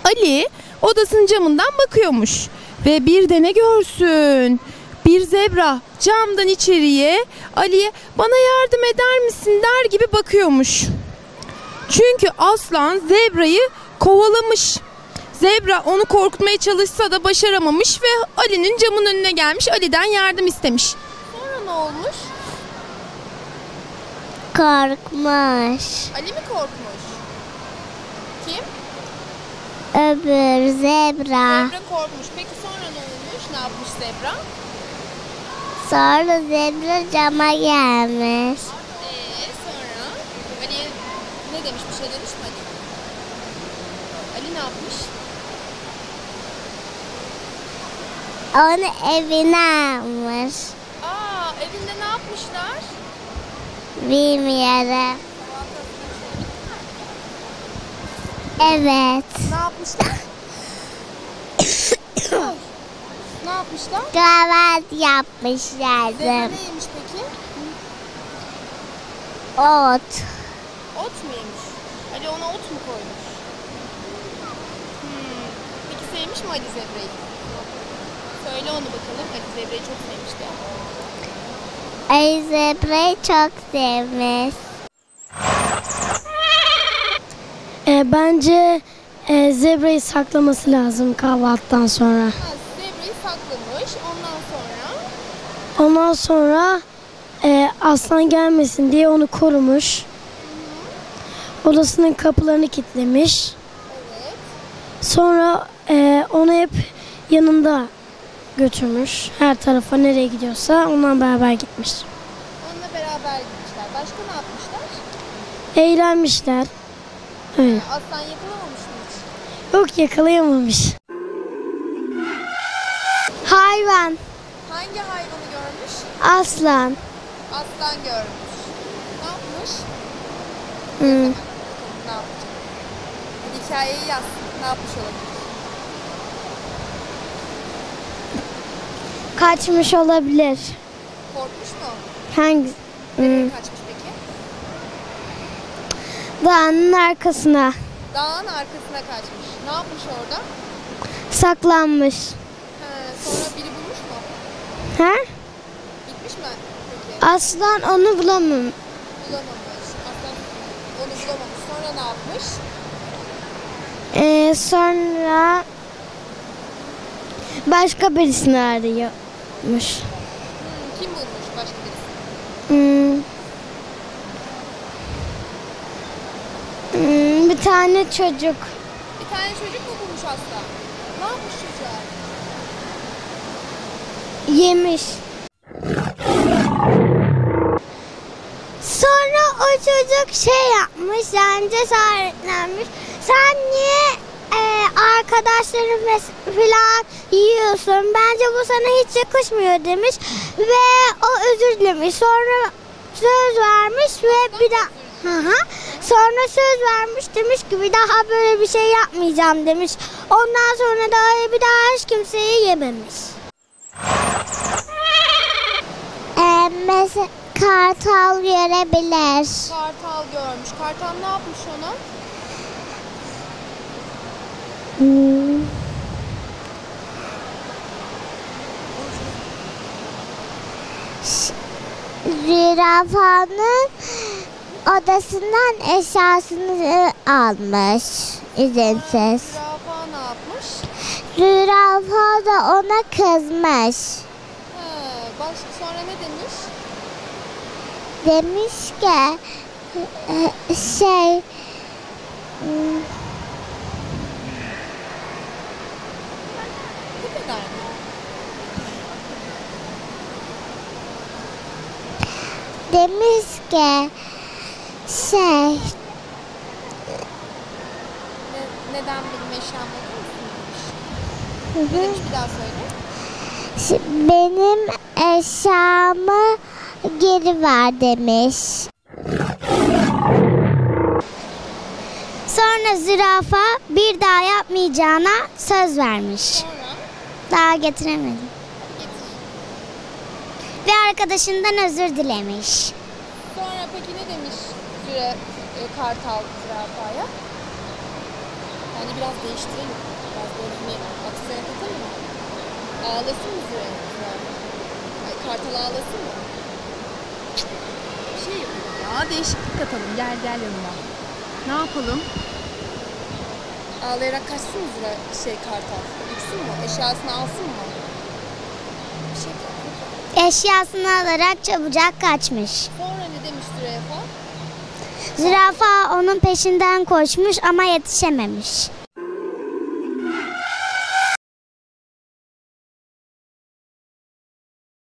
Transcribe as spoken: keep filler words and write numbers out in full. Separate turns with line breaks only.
Ali odasının camından bakıyormuş ve bir de ne görsün? Bir zebra camdan içeriye Ali'ye bana yardım eder misin der gibi bakıyormuş. Çünkü aslan zebrayı kovalamış. Zebra onu korkutmaya çalışsa da başaramamış ve Ali'nin camın önüne gelmiş, Ali'den yardım istemiş. Sonra ne olmuş?
Korkmuş.
Ali mi korkmuş? Kim?
Öbür zebra.
Zebra korkmuş. Peki sonra ne olmuş? Ne yapmış zebra?
Sonra zebra cama gelmiş.
Eee sonra Ali'ye ne demiş? Bir şey demiş mi Ali? Ali ne yapmış?
Onu evine almış.
Aa, evinde ne yapmışlar?
Bilmiyorum. Evet.
Ne yapmışlar? Ne yapmışlar?
Kahvaltı yapmışlardı.
Zebra ne yemiş peki?
Ot.
Ot mu yemiş? Ali ona ot mu koymuş? Hmm. Peki sevmiş mi Ali zebrayı? Söyle onu bakalım. Ali zebrayı çok sevmişti.
Ay zebrayı çok sevmiş.
E, bence e, zebrayı saklaması lazım kahvaltıdan sonra.
Ha, zebrayı saklamış. Ondan sonra
Ondan sonra e, aslan gelmesin diye onu korumuş. Odasının kapılarını kilitlemiş.
evet.
Sonra e, onu hep yanında götürmüş. Her tarafa nereye gidiyorsa onunla beraber gitmiş.
Onunla beraber gitmişler. Başka ne yapmışlar?
Eğlenmişler. Öyle.
Aslan yakalamamış mı hiç?
Yok, yakalayamamış.
Hayvan.
Hangi hayvanı görmüş?
Aslan.
Aslan görmüş. Ne yapmış?
Hmm.
Bakalım ne yapacak? Hadi hikayeyi yaz. Ne yapmış olabilir?
Kaçmış olabilir.
Korkmuş mu?
Hangi?
Nereye
Hmm.
kaçmış peki?
Dağın arkasına
Dağın arkasına kaçmış. Ne yapmış orada?
saklanmış.
He, sonra biri bulmuş mu?
Ha?
Gitmiş mi? Peki.
Aslan onu bulamam.
Bulamamış. Aslan onu bulamamış. Sonra ne yapmış?
Ee, sonra başka birisini arıyormuş.
Hmm, kim bulmuş başka birisi?
Hmm. Hmm, bir tane çocuk.
Bir tane çocuk mu bulmuş aslan? Ne yapmış çocuğa?
Yemiş. Sonra o çocuk şey yapmış, yani cesaretlenmiş. Sen niye e, arkadaşların falan yiyorsun? Bence bu sana hiç yakışmıyor demiş. Ve o özür dilemiş. Sonra söz vermiş ve bir daha... Hı hı. Sonra söz vermiş, demiş ki bir daha böyle bir şey yapmayacağım demiş. Ondan sonra da bir daha hiç kimseyi yememiş. Ee, mesela kartal görebilir.
Kartal görmüş. Kartal ne yapmış ona?
Hmm. Zürafanın odasından eşyasını almış izinsiz.
Zürafa ne yapmış?
Zürafa da ona kızmış.
He, baş, sonra ne demiş?
Demiş ki e, şey hmm,
Bu kadar mı?
demiş ki şey
Ne, neden benim eşyam olur musun demiş.
hı
Ne
hı,
demiş bir daha söyle.
şi- benim eşyamı geri ver demiş. Sonra zürafa bir daha yapmayacağına söz vermiş.
Sonra
Daha getiremedim.
hadi getir.
Ve arkadaşından özür dilemiş.
Sonra peki ne demiş züre, e, kartal zürafaya? Yani biraz değiştirelim. Biraz böyle hani aksiyona katalım mı? Ağlasın mı Zürafa? Ay, Kartal ağlasın mı? Bir şey yapalım ya. Değişiklik katalım. Gel gel yanıma. Ne yapalım? Ağlayarak kaçsın mı Züra şey Kartal? Uçsun mu? Eşyasını alsın mı? Bir şey yapalım.
Eşyasını alarak çabucak kaçmış.
Sonra ne demiş Zürafa?
Zürafa onun peşinden koşmuş ama yetişememiş.